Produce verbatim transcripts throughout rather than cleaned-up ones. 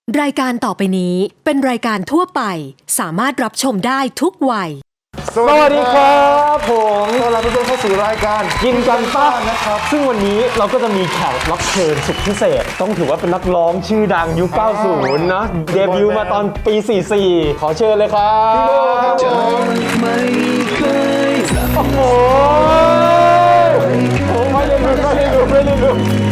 รายการต่อไปนี้เป็นรายการทั่วไปสามารถรับชมได้ทุกวัยสวัสดีครับผมต้อนรับทุกท่านเข้าสู่รายการกินกันป้านะครับซึ่งวันนี้เราก็จะมีแขกรับเชิญสุดพิเศษต้องถือว่าเป็นนักร้องชื่อดังยุค เก้าสิบ นะเดบิวต์มาตอนปี สี่สิบสี่ ขอเชิญเลยครับพี่โบครับไม่เคยโอ้โหผมไม่ได้ดูไม่ได้ดูไม่ได้ดู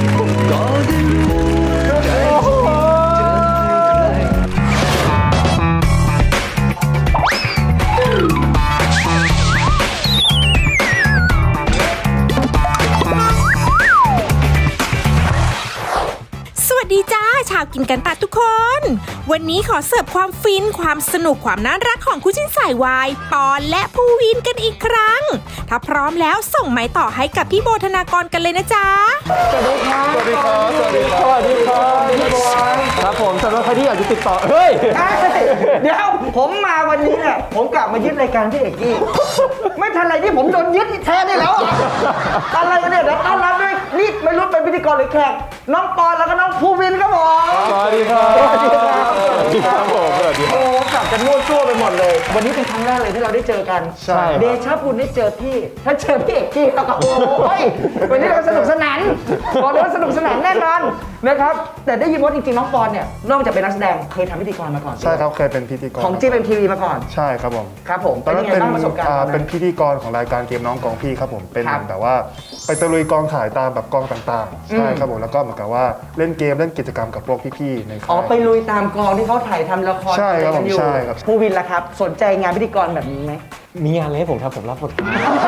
สวัสดีจ้าชาวกินกันปะทุกคนวันนี้ขอเสิร์ฟความฟินความสนุกความน่ารักของคู่จิ้นสายวายปอนและภูวินกันอีกครั้งถ้าพร้อมแล้วส่งไม้ต่อให้กับพี่โบธนากรกันเลยนะจ๊ะสวัสดีครับสวัสดีครับสวัสดีครับสวัสดีครับพี่โบครับผมสำหรับใครที่อยากจะติดต่อเฮ้ยเดี๋ยวผมมาวันนี้เนี่ยผมกลับมายึดรายการพี่เอกกี้ไม่ทันไรที่ผมโดนยึดแทนได้แล้วอะไรกันเนี่ยเดี๋ยวต้อนรับด้วยนี่ไม่รู้เป็นพิธีกรหรือแขกน้องปอนแล้วก็น้องภูวินครับผมสวัสดีครับสวัสดีครับสวัสดีครับผมสวัสดีครับโอ้กลับจะมั่วซั่วไปหมดเลยวันนี้เป็นครั้งแรกเลยที่เราได้เจอกันใช่เดชะบุญได้เจอพี่ถ้าเจอพี่เอกกี้แล้วก็โอ้ยวันนี้เราสนุกสนานบอกเลยว่าสนุกสนานแน่นอนนะครับแต่ได้ยินว่าจริงๆน้องปอนเนี่ยนอกจากเป็นนักแสดงเคยทำพิธีกรมาก่อนใช่ครับเคยเป็นพิธีกรของจีเป็นทีวีมาก่อนใช่ครับผมครับผมตอนนั้นเป็เป็น นยังไงบ้างประสบการณ์ตอนนั้นเป็นพิธีกรของรายการเกมน้องกองพี่ครับผมเป็นครับแบบว่าไปตะลุยกองถ่ายตามแบบกองต่างๆใช่ครับผมแล้วก็เหมือนกับว่าเล่นเกมเล่นกิจกรรมกับพวกพี่ๆในค่ายอ๋อไปลุยตามกองที่เขาถ่ายทำละครใช่ครับอะไกันอยู่ใช่ครับภูวินล่ะครับสนใจงานพิธีกรแบบนี้ไหมมีงานอะไรให้ผมทำผมรับบทพี่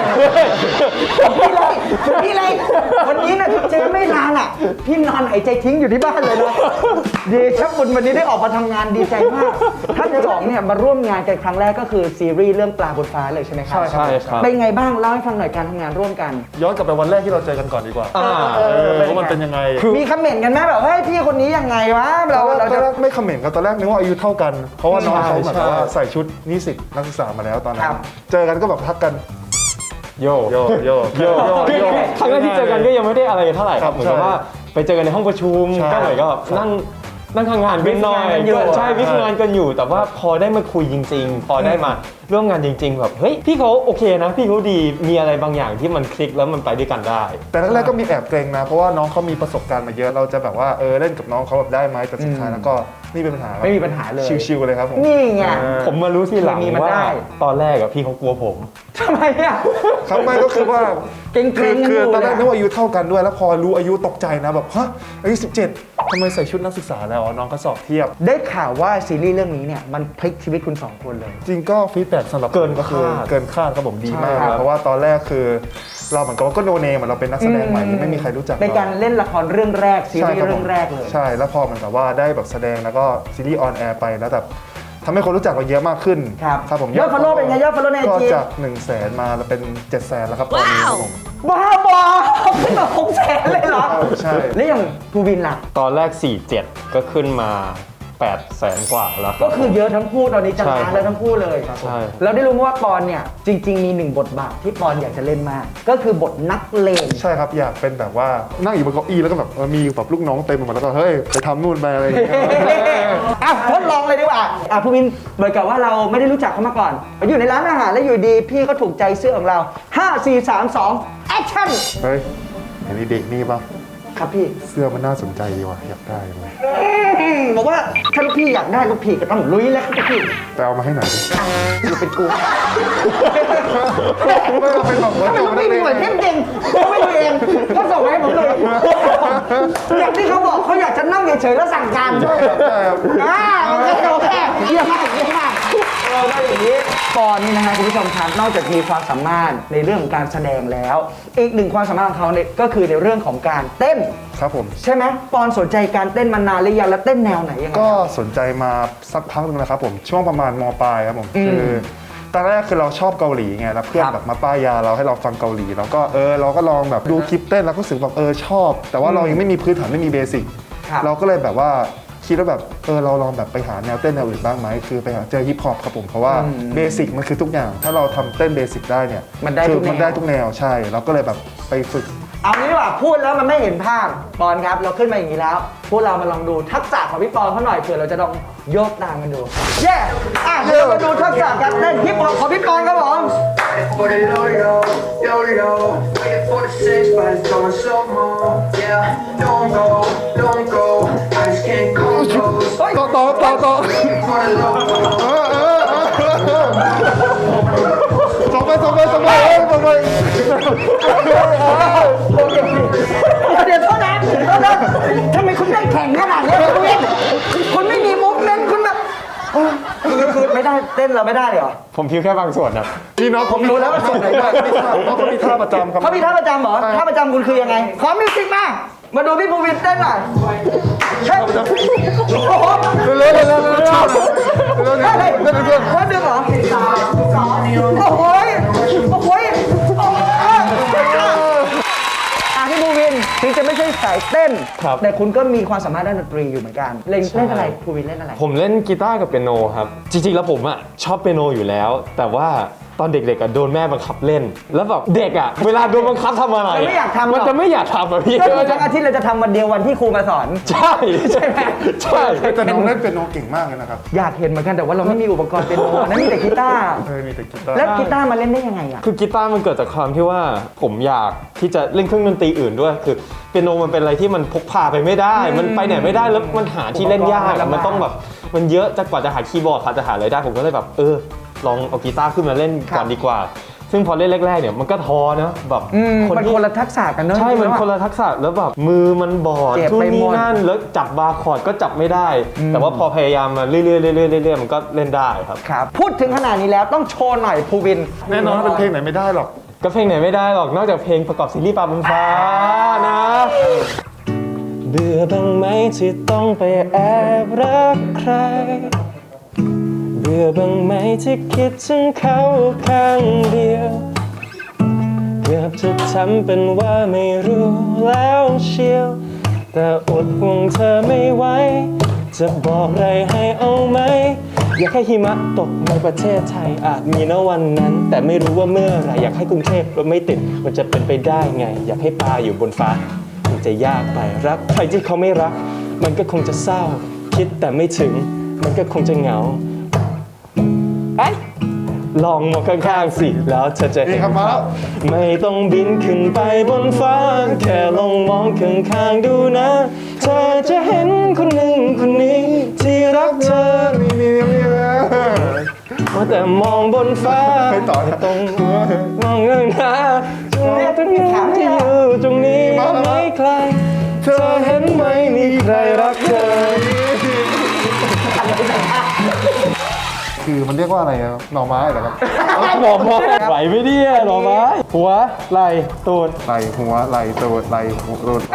เลยพี่เลยวันนี้นะเจอไม่นานอ่ะพี่นอนหายใจทิ้งอยู่ที่บ้านเลยนะเดชะบุญวันนี้ได้ออกมาทำงานดีใจมากท่านสองเนี่ยมาร่วมงานกันครั้งแรกก็คือซีรีส์เรื่องปลาบนฟ้าเลยใช่ไหมครับใช่ครับเป็นไงบ้างเล่าให้ฟังหน่อยการทำงานร่วมกันย้อนกลับไปวันแรกที่เราเจอกันก่อนดีกว่าอ่าเออว่ามันเป็นยังไงมีคอมเมนต์กันไหมแบบเฮ้ยพี่คนนี้ยังไงวะเราตอนแรเรากตจะอนแรกไม่คอมเมนต์กันตอนแรกนึกว่าอายุเท่ากัน เพราะว่าน้องเขาเหมือนกับว่าใช่ใส่ชุดนิสิตนักศึกษามาแล้วตอนนั้ครันบเจอกันก็แบบทักกันโยโยโยโยคือครั้งแรกที่เจอกันก็ยังไม่ได้อะไรเท่าไหร่ครับเหมือนกับว่าไปเจอกันในห้องประชุมใช่ก็เหมือนกับนั่งนั่งทำงานกันหน่อยวิทย์งานกันอยู่ก็ใช่วิทย์งานกันอยู่ แต่ว่าพอได้มาคุยจริง ๆ พอได้มาร่วมงานจริง ๆ แบบเฮ้ยพี่เขาโอเคนะพี่เขาดีมีอะไรบางอย่างที่มันคลิกแล้วมันไปด้วยกันได้แต่แรกๆก็มีแอบเกรงนะ เพราะว่าน้องเขามีประสบการณ์มาเยอะเราจะแบบว่าเออเล่นกับน้องเขาแบบได้ไหมแต่สุดท้ายแล้วก็นี่เป็นปัญหาไม่มีปัญหาเลยชิวๆเลยครับผมนี่ไงผมมารู้ทีหลังเคมีมันว่าได้ตอนแรกอะพี่เขากลัวผมทำไมอ่ะครับไม่ก็คือว่าเกรงๆคือคือกันอยู่ตอนแรกเลยนึกว่าอายุเท่ากันด้วยแล้วพอรู้อายุตกใจนะแบบฮะอายุสิบเจ็ดทำไมใส่ชุดนักศึกษาแล้วอ๋อน้องก็สอบเทียบได้ข่าวว่าซีรีส์เรื่องนี้เนี่ยมันพลิกชีวิตคุณสองคนเลยจริงก็ฟีดแบ็กสำหรับเกินผมก็คือคาดเกินคาดครับผมดีมากใช่ครับเพราะว่าตอนแรกคือเราเหมือนกับว่าก็โนเนมเราเป็นนักแสดงใหม่ที่ไม่มีใครรู้จักในการเล่นละครเรื่องแรกซีรีส์คบเรื่ผอมงแรกเลยใช่แล้วพอเหมือนกับว่าได้แบบแสดงแล้วก็ซีรีส์ออนแอร์ไปแล้วแบบทำให้คนรู้จักเราเยอะมากขึ้นครับครับผมยอด follow เป็นไงยอด follow ในก็ไอจีจากหนึ่งแสนมาเป็นเจ็ดแสนแล้วครับตอนนี้ครับผมบ้าบอขึ้นมาหกแสนเลยเหรอใช่แล้วอย่างภูวินล่ะตอนแรกสี่เจ็ดก็ขึ้นมาแปดแสนกว่าแล้วครัก็บคือเยอะทั้งคู่ตอนนี้จะใช่ล้านแล้วทั้งคู่เลยใช่เราได้รู้มาว่าปอนเนี่ยจริง ๆ มีหนึ่งบทบาทที่ปอนอยากจะเล่นมาก ก็คือบทนักเลงใช่ครับอยากเป็นแบบว่านั่งอยู่บนเก้าอี้แล้วก็แบบเออมีแบบลูกน้องเต็มไปหมดแล้วก็เฮ้ยไปทำนู่นไปอะไรอย่างเงี้ยอ่ะทดลองเลยดีกว่าอ่ะภูวินเหมือนกับว่าเราไม่ได้รู้จักเขามาก่อนอยู่ในร้านอาหารแล้วอยู่ดีพี่ก็ถูกใจเสื้อของเราห้า สี่ สาม สองแอคชั่นเฮ้ยเห็นไอ้เด็กนี่ป่ะครับพี่เสื้อมันน่าสนใจดีว่ะอยากได้เลยบอกว่าถ้าลูกพี่อยากได้ลูกพี่ก็ต้องลุยแล้วครับลูกพี่ไปเอามาให้หน่อยดิอยู่เป็นกูไม่เอาเป็นแบบว่าทำไมลูกพี่มีหน่วยเทพเก่งเขาไม่ดูเองก็ส่งมาให้ผมเลยอย่างที่เขาบอกเขาอยากจะนั่งเฉยๆแล้วสั่งการด้วยใช่ครับอ่าโอเคโอเคเยี่ยมมากเยี่ยมมากเราได้อย่างนี้ปอนนี่นะฮะคุณผู้ชมครับนอกจากมีความสามารถในเรื่องของการแสดงแล้ว อีกหนึ่งความสามารถของเขาเนี่ยก็คือในเรื่องของการเต้นครับผมใช่ไหมปอนสนใจการเต้นมานานหรือยังแล้วเต้นแนวไหนยังไงก็สนใจมาสักพักหนึงแล้วครับผมช่วงประมาณมปลายครับผมอืมคือตอนแรกคือเราชอบเกาหลีไงแล้วเพื่อนครับแบบมาป้ายยาเราให้เราฟังเกาหลีแล้วก็เออเราก็ลองแบบดูคลิปเต้นแล้วก็รู้สึกแบบเออชอบ แต่ว่าเรายังไม่มีพื้นฐานไม่มีเบสิกครับเราก็เลยแบบว่าคิดว่าแบบเออเราลองแบบไปหาแนวเต้นแนวอื่นบ้างไหมคือไปหาเจอฮิปฮอปครับผมเพราะว่าอืมเบสิกมันคือทุกอย่าง ถ้าเราทำเต้นเบสิกได้เนี่ยมันได้คืทุกแนวมันได้ทุกแนวใช่เราก็เลยแบบไปฝึกเอางี้ดีกว่าพูดแล้วมันไม่เห็นภาพปอนครับเราขึ้นมาอย่างนี้แล้วพวกเรามาลองดูทักษะของพี่ปอนเขาหน่อยเผื่อเราจะลองโยกตามกันดูเย้อ่ะเดี๋ยวมาดูทักษะการเต้นพี่ปอนของพี่ปอนครับผม For the yo-yo, yo-yo, waiting for the six, but it's going slow mo. Yeah, don't go, don't go, I just can't come close. ต่อต่อต่อต่อ Waiting for the logo. ส่งไปส่งไปส่งไปเอ้ยส่งไปเดี๋ยวโทษนะโทษนะทำไมคุณได้แข่งขนาดนี้คุณคุณไม่มีมุกเน้นคุณแบบคือคือไม่ได้เต้นเราไม่ได้เหรอผมพิวแค่บางส่วนครับนี่น้องผมรู้แล้วว่าส่งไหนได้น้องเขามีท่าประจำครับเขามีท่าประจำเหรอท่าประจำคุณคือยังไงขอมิวสิกมามาดูพี่ภูวินเต้นหน่อยเฮ้ยโอ้โหเร็วเร็วเร็วเร็วเร็วเร็วเร็วเฮ้ยเร็วเร็วเร็วคนดึงเหรอโอ้โหโอ้โหโอ้โหอ่ะพี่ภูวินถึงจะไม่ใช่สายเต้นครับแต่คุณก็มีความสามารถด้านดนตรีอยู่เหมือนกันเล่นเล่นอะไรภูวินเล่นอะไรผมเล่นกีตาร์กับเปียโนครับ จริงๆ แล้วผมอ่ะชอบเปียโนอยู่แล้ว แต่ว่าตอนเด็กๆอ่ะโดนแม่บังคับเล่น แล้วแบบเด็กอ่ะเวลาโดนบังคับทำอะไรมันไม่อยากทำหรอกมันจะไม่อยากทำอ่ะพี่ก็คือทั้งอาทิตย์เราจะทำวันเดียววันที่ครูมาสอนใช่ใช่ไหมใช่แต่น้องเล่นเป็นโนเก่งมากเลยนะครับอยากเห็นเหมือนกันแต่ว่าเราไม่มีอุปกรณ์เป็นโนนั่นมีแต่กีตาร์เออมีแต่กีตาร์แล้วกีตาร์มาเล่นได้ยังไงอ่ะคือกีตาร์มันเกิดจากความที่ว่าผมอยากที่จะเล่นเครื่องดนตรีอื่นด้วย คือเปียโนมันเป็นอะไรที่มันพกพาไปไม่ได้ มันไปไหนไม่ได้แล้วมันหาที่เล่นยากอะมันต้องแบบมันเยอะจะกว่าจะหาคีย์บอร์ดกว่าจะหาอะไรได้ผมก็เลยแบบเออลองเอากีตาร์ขึ้นมาเล่นก่อนดีกว่า ซึ่งพอเล่นแรกๆเนี่ยมันก็ท้อนะแบบอืมมันที่คนละทักษะกันเนอะใช่ มันจริงๆคนละทักษะแล้วแบบมือมันบอดเจ็บทุนไปหมนี่ดนั่นแล้วจับบาร์คอร์ดก็จับไม่ได้ แต่ว่าพอพยายามมาเรื่อยๆเรื่อยๆเรื่อยๆมันก็เล่นได้ครับครับพูดถึงขนาดนี้แล้วต้องโชว์หน่อยภูวินแน่นอนว่าเป็นเพลงไหนไม่ได้หรอกก็เพลงไหนไม่ได้หรอกนอกจากเพลงประกอบซีรีส์ปลาบนฟ้านะเบื่อบ้างไหมที่ต้องไปแอบรักใครเบื่อบ้างไหมที่คิดถึงเขาข้างเดียวเกือบจะทำเป็นว่าไม่รู้แล้วเชียวแต่อดห่วงเธอไม่ไหวจะบอกอะไรให้เอาไหมอยากให้หิมะตกในประเทศไทยอาจมีณวันนั้น แต่ไม่รู้ว่าเมื่อไหรอยากให้กรุงเทพรถไม่ติดมันจะเป็นไปได้ไง อยากให้ปลาอยู่บนฟ้ามันจะยากไปรักใครที่เขาไม่รัก มันก็คงจะเศร้า คิดแต่ไม่ถึงมันก็คงจะเหงาไอ้ลองมองข้างๆสิแล้วเธอจะเห็นี่นครับมาแล้วไม่ต้องบินขึ้นไปบนฟ้าแค่ลองมองข้างๆดูนะเธอจะเห็นคนหนึ่งคนนี้ที่รักเธอนี่นี่นี่นะว่าแต่มองบนฟ้าไปต่อนะตรงมองเงินหาตรงนี้ตรงนี้ที่อยู่ตรงนี้ไม่ใครเธอเห็นไหมมีใครรักเธอคือมันเรียกว่าอะไรอะหน่อไม้เหรอครับหน่อไม้ไหลไม่ดีอะหน่อไม้หัวไหล่ตูดไหลหัวไหลตัวไหลหัวรูด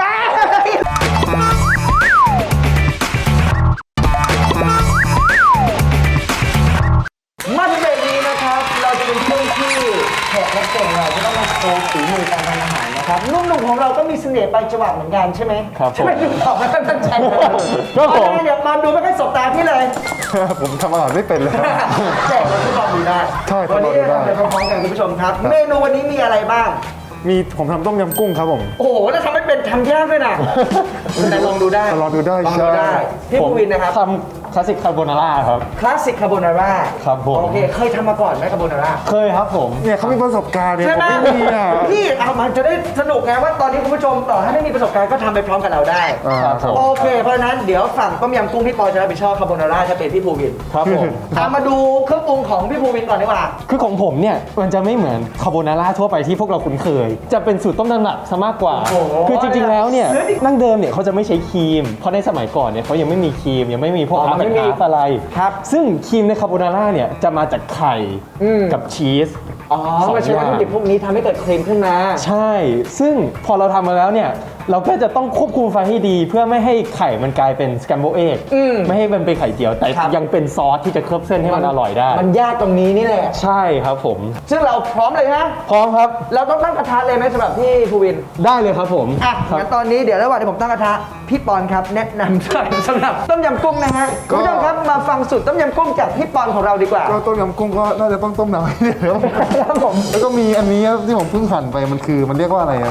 มาถึงเบรกนี้นะครับเราจะเป็นช่วงที่แขกรับเชิญเราจะต้องมาโชว์ฝีมือการทำอาหารนะครับนุ่มๆของเราก็มีเสน่ห์ไปจังหวะเหมือนกันใช่ไหมครับผมใช่ไหมถึงตอบไม่ค่อยมั่นใจเลยครับผมเอาละเดี๋ยวมาดูไม่ค่อยสบตาที่เลยผมทำอาหารไม่เป็นเลยแจกเราทดลองดูได้ใช่ทวัดลนี้องดูได้เราทำไปพร้อมๆกันคุณผู้ชมครับ เมนูวันนี้มีอะไรบ้างมีผมทำต้มยำกุ้งครับผมโอ้โหแล้วทำไม่เป็นทำยากด้วยนะแต่ลองดูได้ลองดูได้ลองดูได้ใช่พี่ภูวินนะครับทำคลาสสิกคาโบนาร่าครับคลาสสิกคาโบนาร่าครับผมโอเคเคยทำมาก่อนไหมคาโบนาร่าเคยครับผมเนี่ยเขามีประสบการณ์เนี่ยใช่ผไหมมไม่มีอ่ะพี่เอามันจะได้สนุกไงว่าตอนนี้คุณผู้ชมต่อให้ไม่มีประสบการณ์ก็ทำไปพร้อมกับเราได้อ่าครับโอเค เพราะฉะนั้นเดี๋ยวฝั่งต้มยำกุ้งพี่ปอจะรับผิดชอบคาโบนาร่าจะเป็นพี่ภูวินครับผมตามมาดูเครื่องปรุงของพี่ภูวินก่อนดีกว่าคือของผมเนี่ยมันจะไม่เหมือนคาโบนาร่าทั่วไปที่พวกเราคุ้นเคย จะเป็นสูตรต้มตำหนักซะมากกว่าโอ้โหคือจริงๆแล้วเนี่ยเฮ้ยนั่งเดิมเนี่ยเขาจะไม่ใช้ครีม เพราะในสมัยก่อนเนี่ยเขายังไม่มีครีมยังไม่มีพวกอ๋ออามันไม่หารมีอะไรครับซึ่งครีมในคาโบนาร่าเนี่ยจะมาจากไข่อืมกับชีสอ๋อสองมาใช้วัตถุดิบพวกนี้ทำให้เกิดครีมขึ้นมาใช่ ซึ่งพอเราทำมาแล้วเนี่ยเราก็จะต้องควบคุมไฟให้ดี เพื่อไม่ให้ไข่มันกลายเป็นสแคมโบเอกอืมไม่ให้มันเป็นไข่เจียว แต่ครับยังเป็นซอสที่จะเคลือบเส้นให้มันอร่อยได้มันยากตรงนี้นี่แหละใช่ครับผมซึ่งเราพร้อมเลยนะพร้อมครับเราต้องตั้งกระทะเลยไหมสำหรับพี่ภูวินได้เลยครับผมอ่ะครับงั้นตอนนี้เดี๋ยวระหว่างที่ผมตั้งกระทะพี่ปอนครับแนะนำสำหรับต้มยำกุ้งนะฮะคุณผู้ชมครับมาฟังสูตรต้มยำกุ้งจากพี่ปอนของเราดีกว่าก็ต้มยำกุ้งก็น่าจะต้องต้มน้ำให้เดี๋ยวครับผมแล้วก็มีอันนี้ที่ผมเพิ่งหั่นไปมันคือมันเรียกว่าอะไรอะ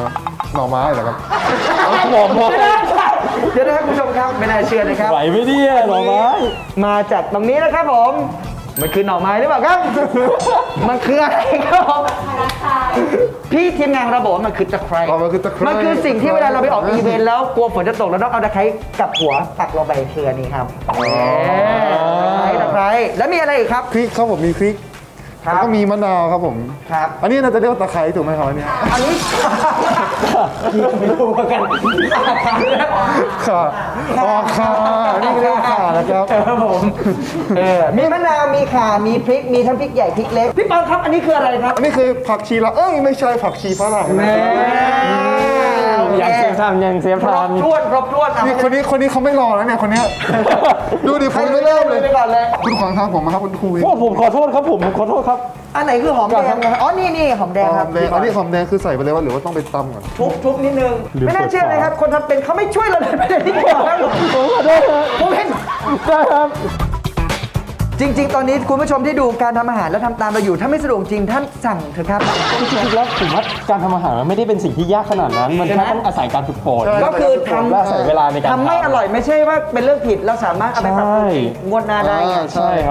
หน่อไม้เหรอครับหน่อไม้เดี๋ยวนะครับคุณผู้ชมครับไม่น่าเชื่อนะครับไหวไหมเนี่ยหน่อไม้มาจากตรงนี้นะครับผมมันคือหน่อไม้หรือเปล่าครับ มันคืออะไรครับผมพี่ทีมงานของเราบอกว่ามันคือตะไคร้อ๋อมันคือตะไคร้มันคือสิ่งที่เวลาเราไปออกอีเวนต์แล้วกลัวฝนจะตกเราต้องเอาตะไคร้กับหัวปักลงไปคืออันนี้ครับเอ๊ะตะไคร้ตะไคร้แล้วมีอะไรอีกครับพริกครับผมมีพริกครับแล้วก็มีมะนาวครับผมครับอันนี้น่าจะเรียกว่าตะไคร้ถูกไหมครับอันเนี้ยอันนี้ไม่รู้เหมือนกันค่ะอ๋อค่ะอันนี่เรียกว่าข่านะครับครับผมเออมีมะนาวมีข่ามีพริกมีทั้งพริกใหญ่พริกเล็กพี่ปอนครับอันนี้คืออะไรครับอันนี้คือผักชีละเอ้ยไม่ใช่ผักชีฝรั่งนะยังเซฟทำยังเซฟครบทำถ้วนครบถ้วนอ่ะนี่คนนี้คนนี้เขาไม่รอแล้วเนี่ยคนเนี้ยดูดิผมไม่เริ่มเลยไปก่อนเลยคุณขวางทางผมนะครับคุณครูวินโอ้ผมขอโทษครับผมผมขอโทษครับอันไหนคือหอมแดงนะครับอ๋อนี่นี่หอมแดงหคอรับมแดงอันนี้หอมแดงคือใส่ไปเลยว่าหรือว่าต้องไปตำก่อนทุบทุบนิดนึงหรือไม่น่าเชื่อเลยครับ คนทำเป็นเขาไม่ช่วยเราเลยไม่ได้ที่เดียวครับผมขอโทษครับผมเห็นได้ครับจริง ๆ ตอนนี้คุณผู้ชมที่ดูการทำอาหารแล้วทำตามเราอยู่ ถ้าไม่สะดวกจริงท่านสั่งเถอะครับจริงๆแล้วผมว่าการทำอาหารมันไม่ได้เป็นสิ่งที่ยากขนาดนั้น มันใช่แค่ไหมต้องอาศัยการฝึกฝนใช่ก็คือทและอาศัยเวลาในการำทำไม่อร่อยไม่ใช่ว่าเป็นเรื่องผิดเราสามารถเอาไปปรับปรุงใช่งวดหน้าได้ไงอ่าใช่ครับ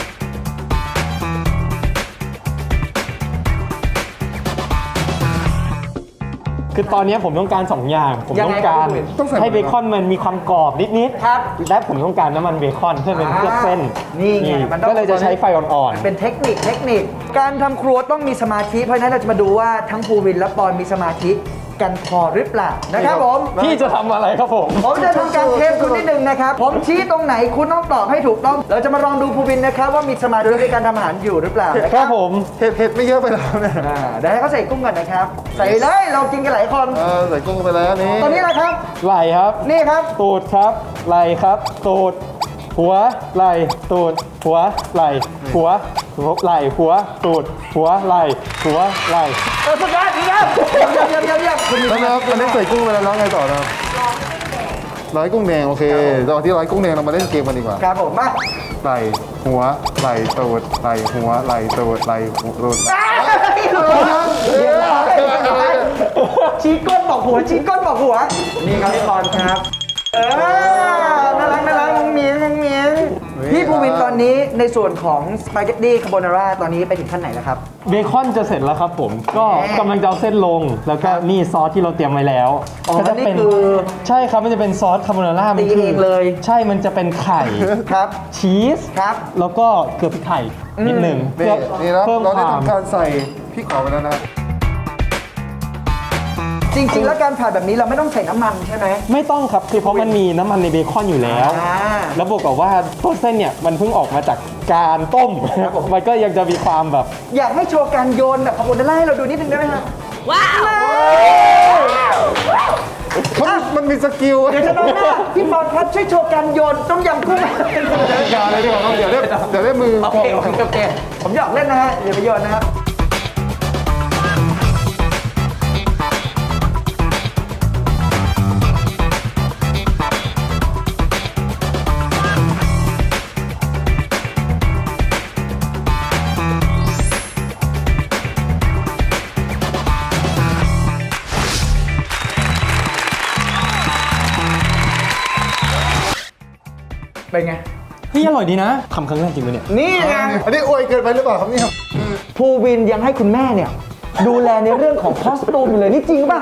คือตอนนี้ผมต้องการสองอย่าง ผมยังต้ไงองครับการพี่วินต้องใส่ให้เบคอนมันมีความกรอบนิดๆครับและผมต้องการน้ำมันเบคอนเพื่อเป็นเคลือบเส้นนี่ไงมันต้องก็เลยจะใช้ไฟอ่อนเป็นเทคนิคเทคนิค การทำครัวต้องมีสมาธิเพราะฉะนั้นเราจะมาดูว่าทั้งภูวินและปอนมีสมาธิกันพอหรือเปล่านะครับผมๆ พี่จะทำอะไรครับผมผมจะทำการเทสคุณนิดนึงนะครับ ผมชี้ตรงไหนคุณต้องตอบให้ถูกต้อง เราจะมาลองดูภูวินนะครับว่ามีสมาธิในการทำอาหารอยู่หรือเปล่านะคครัรับบ ผมเผ็ดเผ็ดไม่เยอะไปแล้วเนี่ยอ่าเดี๋ยวให้เขาใส่กุ้งก่อนนะครับ ใส่เลยเรากินกันหลายคนเออใส่กุ้งไปแล้วนี่ตอนนี้แหละครับไหล่ครับนี่ครับตูดครับ ไหล่ครับ ตูด หัว ไหล่ ตูด หัว ไหล่ หัว หัว ไหล่ หัว ตูด หัว ไหล่ หัว ไหล่เออสุดยอดเยี่ยมเยี่ยมเยี่ยมเยี่ยมเยี่ยมคุณมีแล้วนะครับอันนี้ใส่กุ้งไปแล้วแล้วไงต่อนะครับร้อยกุ้งแดงโอเคตอนที่ร้อยกุ้งแดงเรามาเล่นเกมกันดีกว่าครับผมมาไหล่หัวไหล่ตูดไหล่หัวไหล่ตูดไหล่หัวตูดชี้ก้นบอกหัวชี้ก้นบอกหัว นี่ครับพี่บอลครับ เออน่ารักน่ารักงงเมียงงงเมียงพี่ภูวินตอนนี้ในส่วนของสปาเกตตี้คาโบนาร่าตอนนี้ไปถึงขั้นไหนแล้วครับเบคอนจะเสร็จแล้วครับผม ก็กำลังจะเอาเส้นลง แล้วก็นี่ซอสที่เราเตรียมไว้แล้วอ๋อก็จะนี่เป็นคือใช่ครับ มันจะเป็นซอสคาโบนาร่ามันตีเองเลยใช่ มันจะเป็นไข่ครับชีสครับแล้วก็เกลือพริกไทยนิดหนึ่งนี่เพื่อนี่นะเพิ่มเราคได้วามทำการใส่พริกขอไปแล้วนะครับจริง ๆ แล้วการผัดแบบนี้เราไม่ต้องใส่น้ำมันใช่ไหมไม่ต้องครับ คือเพราะมันมีน้ำมันในเบคอนอยู่แล้วอ่าแล้วบวกกับว่าตัวเส้นเนี่ยมันเพิ่งออกมาจากการต้ม มันก็ยังจะมีความแบบอยากให้โชว์การโยนแบบคาโบนาร่าให้เราดูนิดนึงได้ไหมฮะว้าวมันมันมีสกิลเดี๋ยวจะน้องหน้าพี่บอลครับช่วยโชว์การโยนต้มยำกุ้งอย่าเลยดีกว่าครับเดี๋ยวได้เดี๋ยวได้มือโอเคโอเคโอเคผมหยอกเล่นนะฮะอย่าไปโยนนะครับ เป็นไงเฮ้ยอร่อยดีนะทำครั้งแรกจริงไหมเนี่ยนี่ไงอันนี้อวยเกินไปหรือเปล่าครับเนี่ยภูวินยังให้คุณแม่เนี่ย ดูแลในเรื่องของคอสตูมอยู่เลยนี่จริงป่ะ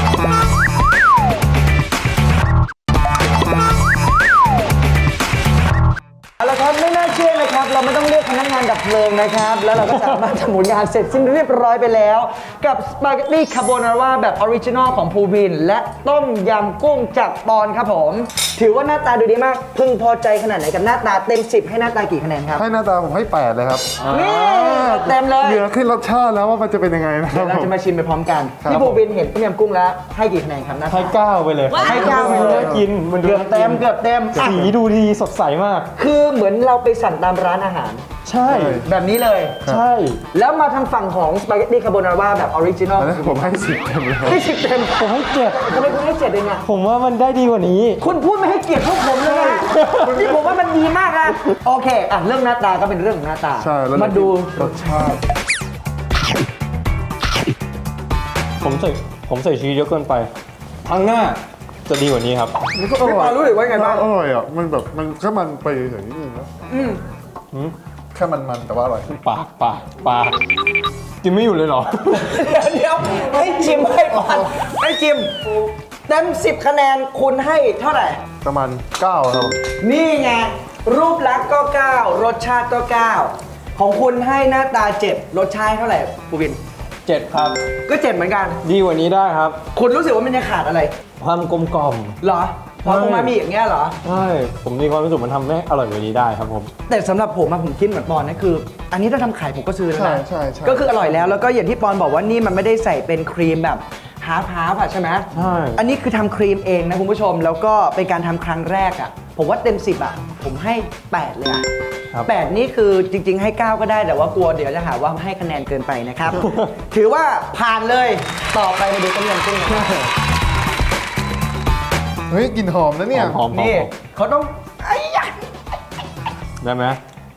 เอาละครับไม่น่าเชื่อนะครับ เราไม่ต้องเรียกพนักงานดับเพลิงนะครับ แล้วเราก็สามารถทำผลงานเสร็จสิ้นเรียบร้อยไปแล้ว กับสปาเกตตี้คาโบนาร่าแบบออริจินอลของภูวิน และต้มยำกุ้งจากปอนครับผม ถือว่าหน้าตาดูดีมาก พึงพอใจขนาดไหนกับหน้าตาเต็มสิบให้หน้าตากี่คะแนนครับให้หน้าตาผมให้แปดเลยครับนี่เต็มเลยเหลือขึ้นรสชาติแล้วว่ามันจะเป็นยังไงนะคเดี๋รัยบวเราผมจะมาชิมไปพร้อมกันครับพี่ภูวินเห็นต้มยำกุ้งแล้วให้กี่คะแนนครับหน้าให้ตาเก้าไปเลยว้าวให้เก้าไปเลยน่ากินมันดูเกือบเต็มเกือบเต็มอ่ะสีดูดีสดใสมากคือเหมือนเราไปสั่งตามร้านอาหารใช่แบบนี้เลยใช่แล้วมาทางฝั่งของสปาเกตตี้คาโบนาร่าแบบออริจินอลอันนั้นผมให้สิบเต็มเลยให้สิบเต็มผมให้เจ็ดทำไมคุณให้เจ็ดเองอ่ะผมว่ามันได้ดีกว่านี้คุณพูดไม่ให้เกียรติพวกผมเลยอะนี่ผมว่ามันดีมากนะโอเคอ่ะเรื่องหน้าตาก็เป็นเรื่องของหน้าตาใช่แล้วมาดูรสชาติผมใส่ผมใส่ชีสเยอะเกินไปครั้งหน้าจะดีกว่านี้ครับมันก็อพี่ปร่ออยรู้หรือว่าไงบ้างอร่อยอ่ะมันแบบมันแค่มันไปเฉยๆนิดนึงนะอืมแค่มันๆแต่ว่าอร่อยปากปากปากกินไม่อยู่เลยเหรอเดี๋ยวให้ชิมให้ปอนให้ชิมเต็มสิบคะแนนคุณให้เท่าไหร่ประมาณเก้าครับนี่ไง รูปลักษณ์ก็เก้ารสชาติก็เก้าของคุณให้หน้าตาเจ็ดรสชาติเท่าไหร่ปูบินเจ็ดครับก็เจ็ดเหมือนกันดีกว่านี้ได้ครับคุณรู้สึกว่ามันยังขาดอะไรความกลมกล่อมเหรอเพราะใช่ตรงมามีอย่างเงี้ยเหรอใช่ผมมีความรู้สึกมันทำให้อร่อยกว่านี้ได้ครับผมแต่สำหรับผมอะผมคิดเหมือนปอนนะคือ อันนี้ถ้าทำขายผมก็ซื้อแล้วใช่นะใช่ใช่ก็คืออร่อยแล้วแล้วก็อย่างที่ปอนบอกว่านี่มันไม่ได้ใส่เป็นครีมแบบฮาร์ฟฮาร์ฟอะใช่ไหมใช่อันนี้คือทำครีมเองนะคุณผู้ชมแล้วก็เป็นการทำครั้งแรกอะผมว่าเต็มสิบอะผมให้แปดเลยอะครับแปดนี่คือจริง ๆ ให้เก้าก็ได้แต่ว่ากลัวเดี๋ยวจะหาว่าให้คะแนนเกินไปนะครับ ถือว่าผ่านเลยต่อไปมาดูต้มยำกุ้งกันเฮ้ยกลิ่นหอมนะเนี่ยหอมๆนี่หอมเขาต้องไอ้ยะๆได้ไหม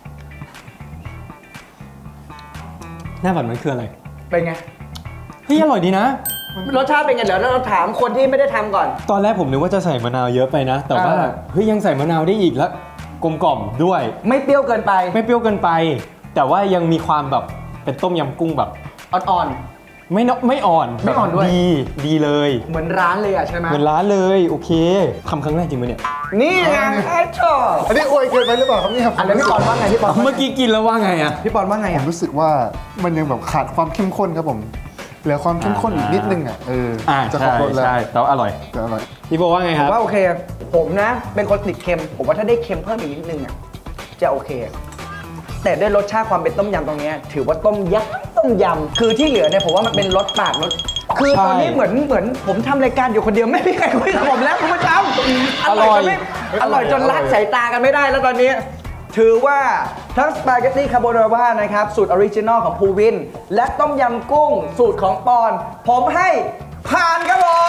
หน้าบัตรมันคืออะไรเป็นไงเฮ้ยอร่อยดีนะรสชาติเป็นไงเดี๋ยวเราถามคนที่ไม่ได้ทำก่อนตอนแรกผมนึกว่าจะใส่มะนาวเยอะไปนะ แต่ว่าอ่าเฮ้ยยังใส่มะนาวได้อีกแล้วกลมกล่อมด้วยไม่เปรี้ยวเกินไปไม่เปรี้ยวเกินไป แต่ว่ายังมีความแบบเป็นต้มยำกุ้งแบบอ่อนไม่นไม่อ่อนไม่อ่อนด้วยแบบดีดีเลยๆเหมือนร้านเลยอะใช่ไหมเหมือนร้านเลยโอเคทำครั้งแรกจริงไหมเนี่ยนี่ไงไอ้ชอบอันนี้อวยเกินไปหรือเปล่าครับเนี่ยอันนั้นพี่ปอนว่าไงพี่ปอนว่าไงเมื่อกี้กินแล้วว่าไงอะพี่ปอนว่าไงผอะมรู้สึกว่ามันยังแบบขาดความเข้มข้นครับผมเหลือความเข้มข้นอีกนิดนึงอ่ะเอออ่าจะขอใช่บรสแล้วใช่แต่ว่าอร่อยจะอร่อยพี่โบว่าไงผครัมบว่าโอเค ผมนะ เป็นคนติดเค็ม ผมว่าถ้าได้เค็มเพิ่มอีกนิดนึงอะจะโอเค แต่ด้วยรสชาติความเป็นต้มยำตรงเนี้ยถือว่าต้มยำต้มยำคือที่เหลือเนี่ยผมว่ามันเป็นรสปากรสคือตอนนี้ใช่เหมือนเหมือนผมทำรายการอยู่คนเดียวไม่มีใครคุยกับผมแล้วคุณผู้ชมอร่อยจนไม่อร่อยจนละสายตากันไม่ได้แล้วตอนนี้ ถือว่าทั้งสปาเกตตี้คาโบนาร่านะครับ สูตรออริจินอลของภูวิน และต้มยำกุ้ง สูตรของปอน ผมให้ผ่านครับผม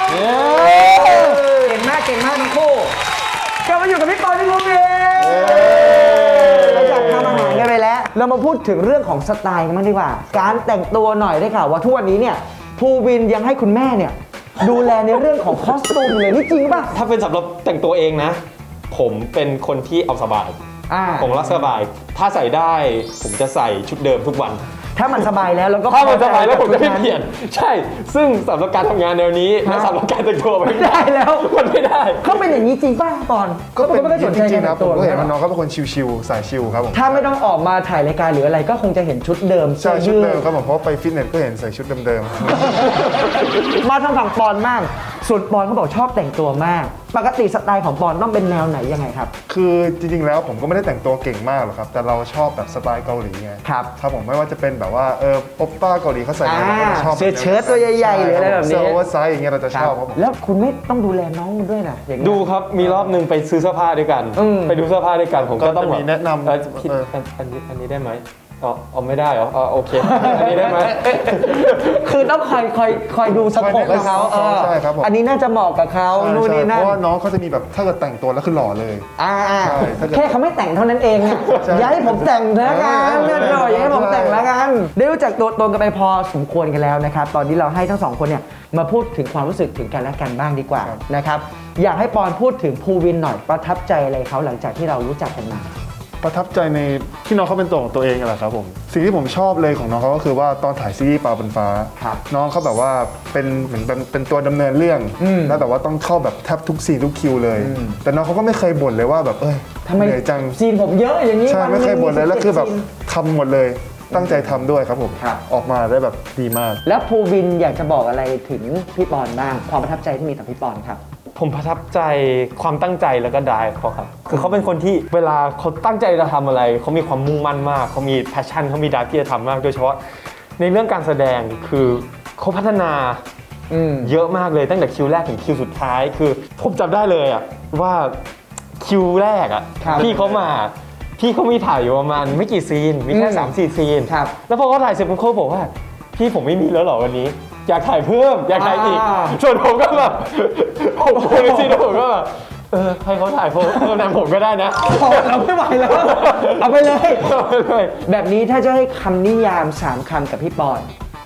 เย้เก่งมากเก่งมากทั้งคู่กลับมาอยู่กับพี่ปอนพี่ภูวินเราจากทำอาหารกันไปแล้ว เรามาพูดถึงเรื่องของสไตล์กันบ้างดีกว่า การแต่งตัวหน่อยได้ข่าวว่าทุกวันนี้เนี่ยภูวินยังให้คุณแม่เนี่ยดูแลในเรื่องของคอสตูมเลยนี่จริงป่ะถ้าเป็นสำหรับแต่งตัวเองนะ ผมเป็นคนที่เอาสบายอ่าผมรักสบาย ถ้าใส่ได้ผมจะใส่ชุดเดิมทุกวันถ้ามันสบายแล้วเราก็ถ้ามันสบายแล้วผมจะไม่พอใจเปลี่ยน ใช่ ซึ่งสำหรับการทำงานแนวนี้และสำหรับการแต่งตัวไม่ไม่ได้แล้วมันไม่ได้เขาเป็นอย่างนี้จริงป่ะปอนก็เป็นไม่ได้สนใจจริงๆกันะบผตัวมก็เห็นหรว่าอน้องเขาเป็นคนชิวๆสายชิวครับผมถ้าไม่ต้องออกมาถ่ายรายการหรืออะไรก็คงจะเห็นชุดเดิมใช่ชุดสื้อเดิยืมครับผมเพราะว่าไปฟิตเนสก็เห็นใส่ชุดเดิมมาทางฝั่งปอนมาก ส่วนปอนเขาบอกชอบแต่งตัวมาก ปกติสไตล์ของปอนต้องเป็นแนวไหนยังไงครับๆคือจริงๆแล้วผมก็ไม่ได้แต่งตัวเก่งมากหรอกครับแต่เราชอบแบบสไตล์เกาหลีไงครับครับผมไม่ว่าจะเป็นแบบว่าเออโอปป้าเกาหลีเขาใส่กันเราก็จะชอบเสื้อเชิ้ตตัวใหญ่ๆหรืออะไรแบบนี้เสื้อโอเวอร์ไซส์อย่างเงี้ยเราจะชอบครับผมแล้วคุณไม่ต้องดูแลน้องมันด้วยนะอย่างเงี้ยดูครับ มีรอบหนึ่งไปซื้อเสื้อผ้าด้วยกันอืมไปดูเสื้อผ้าด้วยกัน ผมก็ต้องก็จะมีแนะนำเอ่อพี่เอออันอันนี้อันนี้ได้ไหมอ๋อเอาไม่ได้เหรออ๋อโอเค อันนี้ได้ไหมคือต้องคอยคอยคอยดูสโคปให้เขาเออใช่ครับผมอันนี้น่าจะเหมาะกับเขาใช่นู่นนี่ใช่นั่เพนราะว่าน้องเขาจะมีแบบถ้าเกิดแต่งตัวแล้วคือหล่อเลยอ่าอ่าใช่ถ้าเกิดแค่เขาไม่แต่งเท่านั้นเองอะใช่อย่าให้ผมแต่งแล้วกันเออเนื่อยหน่อยอย่าให้ผมใช่แต่งแล้วกัน ได้รู้จักตัวตนกันไปพอสมควรกันแล้วนะครับ ตอนนี้เราให้ทั้งสองคนเนี่ยมาพูดถึงความรู้สึกถึงกันและกันบ้างดีกว่านะครับ อยากให้ปอนพูดถึงภูวินหน่อยประทับใจอะไรเขาหลังจากที่เรารู้จักกันมาประทับใจในที่น้องเขาเป็นตัวของตัวเองแหละครับผมสิ่งที่ผมชอบเลยของน้องเขาก็คือว่าตอนถ่ายซีรีส์ปลาบนฟ้าครับน้องเขาแบบว่าเป็นเหมือนเป็นเป็นตัวดำเนินเรื่องอืมแล้วแต่ว่าต้องเข้าแบบแทบทุกซีนทุกคิวเลยอืมแต่น้องเขาก็ไม่เคยบ่นเลยว่าแบบเอ้ยทำไมเหนื่อยจังซีนผมเยอะอย่างนี้ใช่วันหไม่นึ่งเคยบ่นเลยแล้วคือแบบสิบเจ็ดซีนทำหมดเลยตั้งใจทำด้วยครับผมครับออกมาได้แบบดีมากแล้วภูวินอยากจะบอกอะไรถึงพี่ปอนบ้างความประทับใจที่มีต่อพี่ปอนครับผมประทับใจความตั้งใจแล้วก็ได้เขาครับ คือเขาเป็นคนที่เวลาเขาตั้งใจจะทำอะไร เขามีความมุ่งมั่นมาก เขามีแพชชั่นเขามีดาร์ที่จะทำมาก โดยเฉพาะในเรื่องการแสดงคือเขาพัฒนาอืมเยอะมากเลยตั้งแต่คิวแรกถึงคิวสุดท้าย คือผมจำได้เลยอะว่าคิวแรกอะครับพี่เขามา พี่เขามีถ่ายอยู่ประมาณไม่กี่ซีน มีแค่อืมสามสี่ซีนครับแล้วพอเขาถ่ายเสร็จผมเขาบอกว่า พี่ผมไม่มีแล้วเหรอวันนี้ อยากถ่ายเพิ่ม อยากถ่ายอีกอ่าส่วนผมก็แบบผมโพลิซีผมก็แบบเออให้เขาถ่ายเพิ่มเพิ่มนำผมก็ได้นะเราไม่ไหวแล้ว เอาไปเลยเอาไปเลยแบบนี้ถ้าจะให้คำนิยามสามคำกับพี่ปอน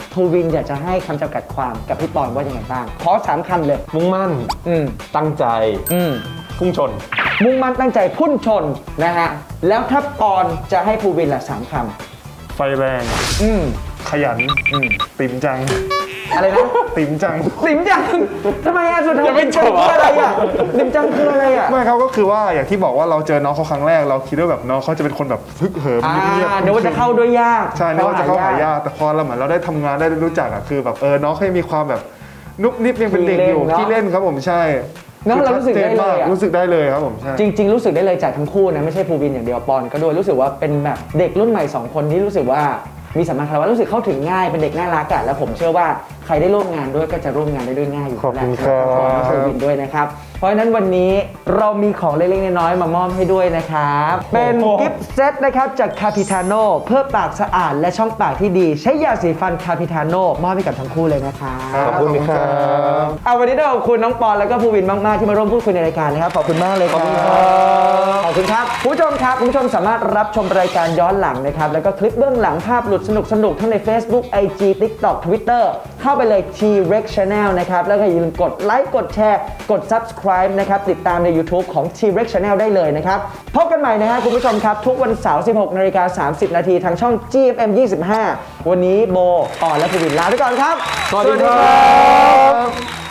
ภูวินอยากจะให้คำจำกัดความกับพี่ปอนว่ายังไงบ้างขอสามคำเลยมุ่งมั่นอืมตั้งใจอืมพุ่งชนมุ่งมั่นตั้งใจพุ่นชนนะฮะแล้วถ้าปอนจะให้ภูวินละสามคไฟแรงำอืมขยันอืมติ๋มจังอะไรนะติ๋มจังติ๋มจังทำไมอ่ะสุดท้ายยังไม่ติ๋มจังจบคืออ่ะอะไรอ่ะติ๋มจังคืออะไรอ่ะไม่ครับก็คือว่าอย่างที่บอกว่าเราเจอน้องเขาครั้งแรกเราคิดว่าแบบน้องเขาจะเป็นคนแบบฮึกเหิมอ่าเงียบๆเดี๋ยวว่าจะเข้าด้วยยากใช่นึกว่าจะเข้าหายากแต่พอเราเหมือนเราได้ทำงานได้รู้จักอะคือแบบเออน้องเขายังมีความแบบนุบนิบยังเป็นเด็กอยู่ที่เล่นครับผมใช่เนอะเรารู้สึกได้เลยอะรู้สึกได้เลยครับผมใช่จริง ๆ รู้สึกได้เลยจากทั้งคู่นะไม่ใช่ภูวินอย่างเดียวปอนก็ด้วยรู้สึกว่าเป็นแบบเด็กรุ่นใหม่สองคนที่รู้สึกว่ามีสัมมาคารวะรู้สึกเข้าถึงง่ายเป็นเด็กน่ารักอะแล้วผมเชื่อว่าใครได้ร่วมงานด้วยก็จะร่วมงานได้ด้วยง่ายอยู่ขอบคุณแล้วครับขอบคุณภูวินด้วยนะครับเพราะฉะนั้นวันนี้เรามีของเล็กๆน้อยๆมามอบให้ด้วยนะครับเป็นกิฟต์เซตนะครับจากคาพิทาโน่เพื่อปากสะอาดและช่องปากที่ดีใช้ยาสีฟันคาพิทาโน่มอบให้กับทั้งคู่เลยนะครับขอบคุณครับเอาวันนี้ต้องขอบคุณน้องปอนแล้วก็ภูวินมาก ๆ ที่มาร่วมพูดคุยในรายการนะครับ ขอบคุณมากเลยครับขอบคุณครับคุณผู้ชมครับคุณผู้ชมสามารถรับชมรายการย้อนหลังนะครับ แล้วก็คลิปเบื้องหลังภาพหลุดสนุก ๆ ทั้งใน Facebook ไอ จี TikTok Twitter เข้าไปเลย T-Rex Channel นะครับ แล้วก็อย่าลืมกดไลค์กดแชร์กด Subscribe นะครับ ติดตามใน YouTube ของ T-Rex Channel ได้เลยนะครับพบกันใหม่นะฮะคุณผู้ชมครับทุกวันเสาร์ สิบหกนาฬิกาสามสิบนาทีทางช่อง จี เอฟ เอ็ม ยี่สิบห้า วันนี้โบปอนและภูวินลาไปก่อนครับสวัสดีครับ